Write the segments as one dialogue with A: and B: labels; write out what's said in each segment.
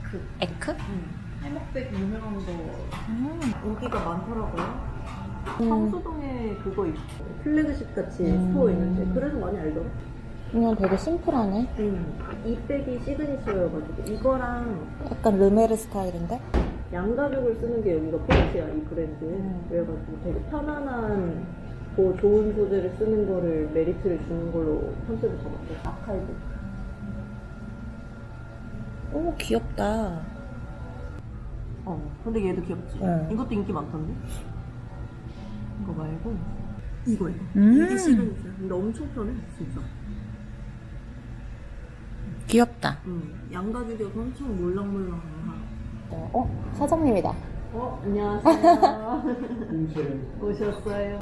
A: 에크?
B: 해먹백 유명한 거 인기가 많더라고요. 성수동에 그거 있고 플래그십 같이 스토어 있는데 그래서 많이 알더라.
A: 그냥 되게 심플하네.
B: 이 백이 시그니처여가지고 이거랑
A: 약간 르메르 스타일인데?
B: 양가죽을 쓰는 게 여기가 포인트야, 이 브랜드. 그래가지고 되게 편안한 좋은 소재를 쓰는 거를 메리트를 주는 걸로 컨셉을 잡았어. 아카이브.
A: 오, 귀엽다.
B: 근데 얘도 귀엽지? 이것도 인기 많던데? 이거 말고 이거 이게 시그니처. 근데 엄청 편해 진짜.
A: 귀엽다.
B: 양가죽이어서 엄청 몰랑몰랑한.
A: 사장님이다.
B: 안녕하세요. 오셨어요.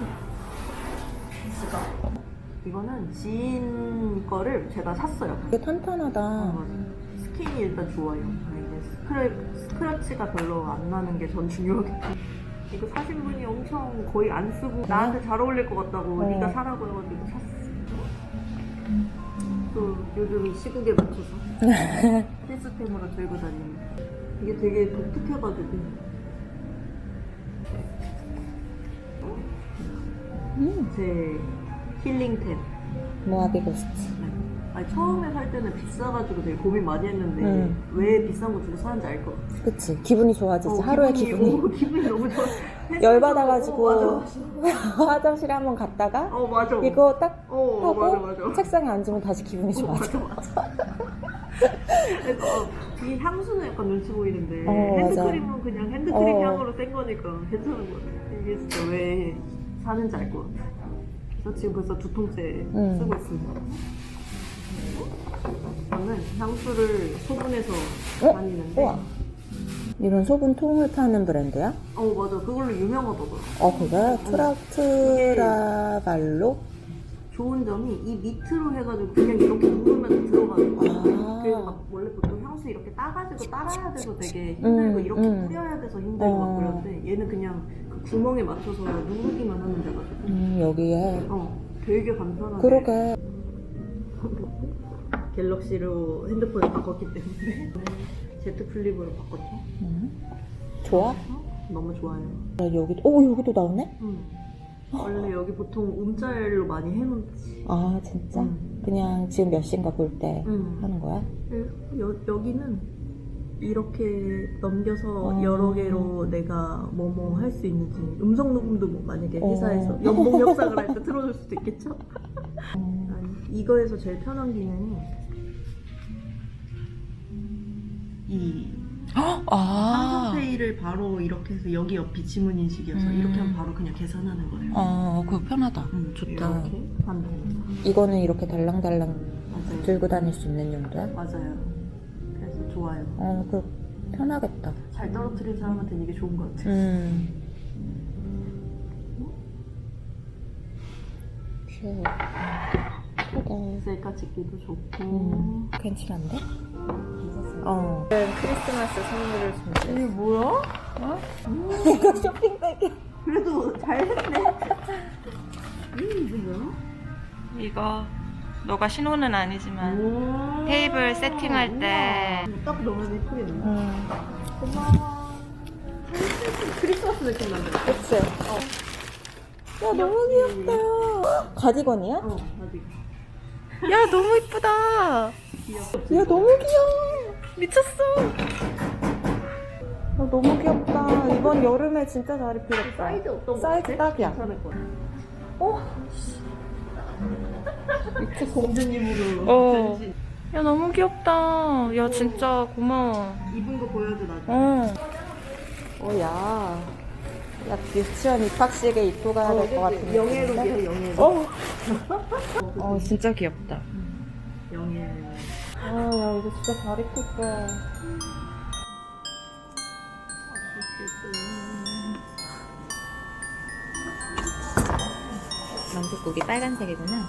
B: 이거는 지인 거를 제가 샀어요.
A: 되게 탄탄하다.
B: 스킨이 일단 좋아요. 스크래치가 별로 안 나는 게 전 중요하겠지. 이거 사신 분이 엄청 거의 안 쓰고 나한테 잘 어울릴 것 같다고 네가 사라고 해가지고 샀어. 또 요즘 시국에 맞춰서 필수템으로 들고 다니는. 이게 되게 독특해가지고. 제 힐링템.
A: 모아비 고스트.
B: 아니, 처음에 살 때는 비싸가지고 되게 고민 많이 했는데 왜 비싼 거 주고 사는지 알 것 같아.
A: 그치. 기분이 좋아지지. 하루의 기분이.
B: 기분이 너무 좋아.
A: 열받아가지고 화장실에 한번 갔다가
B: 맞아.
A: 이거 딱 하고
B: 맞아.
A: 책상에 앉으면 다시 기분이 좋아져.
B: 맞아. 그래서 이 향수는 약간 눈치 보이는데
A: 맞아.
B: 핸드크림은 그냥 핸드크림 향으로 센 거니까 괜찮은 거 같아. 이게 진짜 왜 사는지 알 것 같아. 그래서 지금 벌써 2통째 쓰고 있습니다. 저는 향수를 소분해서 다니는데
A: 우와. 이런 소분 통을 파는 브랜드야?
B: 맞아. 그걸로 유명하더라고.
A: 그래? 트라발로?
B: 좋은 점이 이 밑으로 해가지고 그냥 이렇게 누르면 들어가는 거야. 그래서 막 원래 보통 향수 이렇게 따가지고 따라야 돼서 되게 힘들고 이렇게 뿌려야 돼서 힘들고 막 그러는데 얘는 그냥 그 구멍에 맞춰서 누르기만 하면 돼가지고
A: 여기에
B: 되게 간편하게.
A: 그러게.
B: 갤럭시로 핸드폰을 바꿨기 때문에 Z 플립으로 바꿨죠.
A: 좋아?
B: 너무 좋아요.
A: 여기도 나오네?
B: 원래 여기 보통 움짤로 많이 해놓지.
A: 아, 진짜? 그냥 지금 몇 시인가 볼 때 하는 거야?
B: 여기는 이렇게 넘겨서 여러 개로 내가 뭐뭐 할 수 있는지 음성 녹음도 뭐 만약에 회사에서 연봉 협상을 할 때 틀어줄 수도 있겠죠? 아니, 이거에서 제일 편한 기능이 이 삼성페이를 바로 이렇게 해서 여기 옆이 지문 인식이어서 이렇게 하면 바로 그냥 계산하는 거예요.
A: 그거 편하다. 좋다.
B: 이렇게 하면 됩니다.
A: 이거는 이렇게 달랑달랑
B: 맞아요.
A: 들고 다닐 수 있는 용도야?
B: 맞아요. 그래서 좋아요.
A: 그 편하겠다.
B: 잘 떨어뜨린 사람한테는 이게 좋은 것 같아요.
A: 귀여워.
B: 셀카 찍기도 좋고.
A: 괜찮은데?
B: 괜찮습니다.
A: 크리스마스 선물을 준비했어.
B: 이게 뭐야?
A: 이거 쇼핑백이야.
B: 그래도 잘했네. 이게 뭐야?
C: 이거 너가 신호는 아니지만 테이블 세팅할 때
B: 딱 넣으면 예쁘겠네. 고마워. 크리스마스 느낌 난다.
A: 그치? 야, 너무 귀엽다. 가디건이야?
B: 가지고.
C: 야 너무 이쁘다.
A: 야, 너무 귀여워.
C: 미쳤어.
A: 너무 귀엽다. 이번 여름에 진짜 잘 입히겠다.
B: 사이즈 어떤 거
A: 사이즈
B: 같아?
A: 딱이야.
B: 괜찮을 것 같아. 미치 공주님으로 변신.
C: 야 너무 귀엽다. 야 진짜 고마워.
B: 입은 거 보여줘 나중에.
A: 야. 야, 유치원 입학식에 입고 가야 될 것 같은데.
B: 영예롭이야 영예롭.
C: 진짜 귀엽다.
B: 영예롭.
A: 야, 이거 진짜 잘 입힐 거야.
C: 만둣국이 빨간색이구나.